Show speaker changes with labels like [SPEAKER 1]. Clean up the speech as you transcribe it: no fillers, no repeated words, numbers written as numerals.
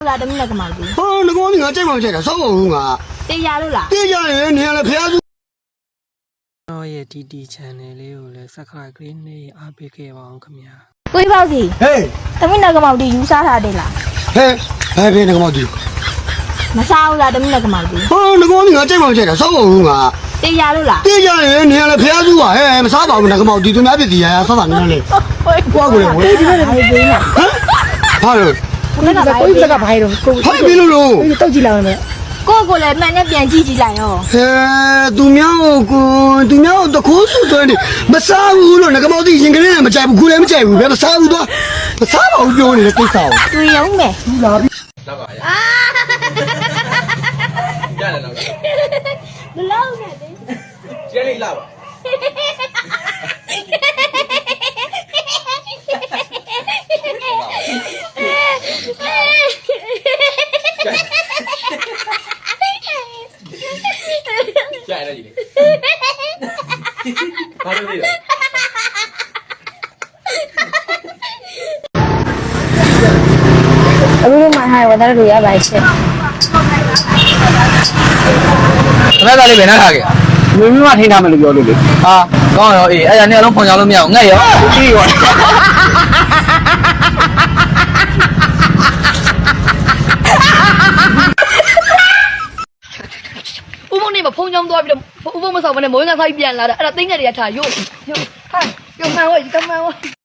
[SPEAKER 1] là đừng là cái màu gì
[SPEAKER 2] nó có những cái trái màu chạy là sáu không à
[SPEAKER 1] tê ra luôn là
[SPEAKER 2] tê ra thì này là phải
[SPEAKER 3] ရဲ့ TT channel လေးကိုလည်း subscribe ကလေးနဲ့အားပေးခဲ့ပါအောင်ခင်ဗျာ
[SPEAKER 1] quý bao gì
[SPEAKER 2] hey
[SPEAKER 1] tao biết là cái màu đi chú sa ra đây là
[SPEAKER 2] hey hey bên nó có màu gì
[SPEAKER 1] mà sao là đừng là cái màu gì
[SPEAKER 2] nó có những cái trái màu chạy là sáu không à
[SPEAKER 1] tê ra luôn là
[SPEAKER 2] tê ra thì này là phải du à hey mà sao bảo mình là cái màu gì tôi nói biết gì à sao bạn này qua rồi
[SPEAKER 1] tê ra là cái gì nè
[SPEAKER 2] hả rồi
[SPEAKER 1] cái là cái gì
[SPEAKER 4] cái bài rồi cô
[SPEAKER 2] hay biết luôn
[SPEAKER 4] tôi chỉ làm này
[SPEAKER 1] cô lại mẹ nhá biển chi lại rồi
[SPEAKER 2] tụi nhau tao cố sức rồi đi mà sao luôn là cái màu gì nhìn cái này mà chạy một cú đấy mà chạy một cái mà sao đó mà sao bảo vô này là cái sao
[SPEAKER 1] tôi giống mẹ lâu nè
[SPEAKER 5] Chết đi lâu à? Chạy là gì đi? Bao nhiêu đi rồi?
[SPEAKER 1] lúc mà haiวันrồi à bài chết
[SPEAKER 5] Nó ra đi về nó thà kìa.
[SPEAKER 2] mình mà thì nào mình được rồi đi
[SPEAKER 5] À, con rồi, ấy giờ này nó phong trào luôn mèo, ngay rồi.
[SPEAKER 2] đi rồi
[SPEAKER 4] 乌凤你们碰见多，乌凤们上班的，每个人他一边来的，哎，他顶着的也差有，看，有看我，看我。